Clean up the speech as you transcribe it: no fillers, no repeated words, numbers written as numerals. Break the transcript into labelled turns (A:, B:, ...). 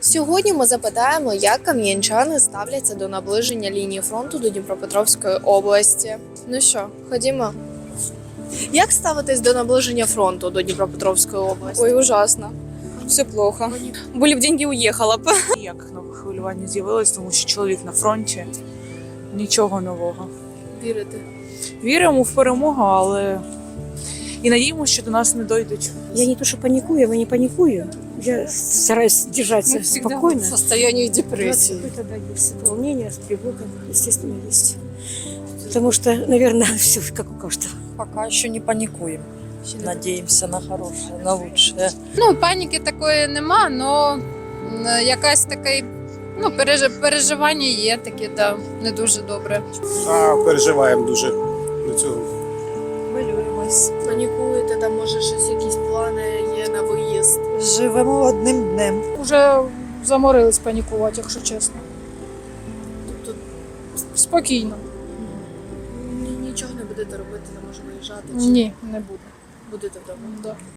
A: Сьогодні ми запитаємо, як кам'янчани ставляться до наближення лінії фронту до Дніпропетровської області. Ну що, ходімо. Як ставитесь до наближення фронту до Дніпропетровської області?
B: Ой, ужасно. Все плохо. Были бы деньги, уехала бы.
C: Ніяк нове хвилювання з'явилось, тому що чоловік на фронті. Нічого нового.
A: Вірите?
C: Віримо в перемогу, але і надіємося, що до нас не дойдуть.
D: Я не то, что паникую, я не паникую. Я стараюсь держаться спокойно.
B: в состоянии депрессии.
D: Какое-то, да, есть волнение, тревога, естественно, есть. Потому что, наверное, все как у каждого.
E: Пока еще не паникуем. Надеемся на хорошее, на лучшее.
B: Ну, паніки такої нема, але якась таке переживання є таке, да, не дуже добре.
F: Переживаємо дуже до цього.
A: Хвилюємось. Панікуєте, там може щось, якісь плани є на виїзд.
E: Живемо одним днем.
G: Уже заморились панікувати, якщо чесно.
A: Тобто
G: Спокійно.
A: нічого не будете робити, не може виїжджати?
G: Ні, не буду.
A: Будете вдома?
G: Да.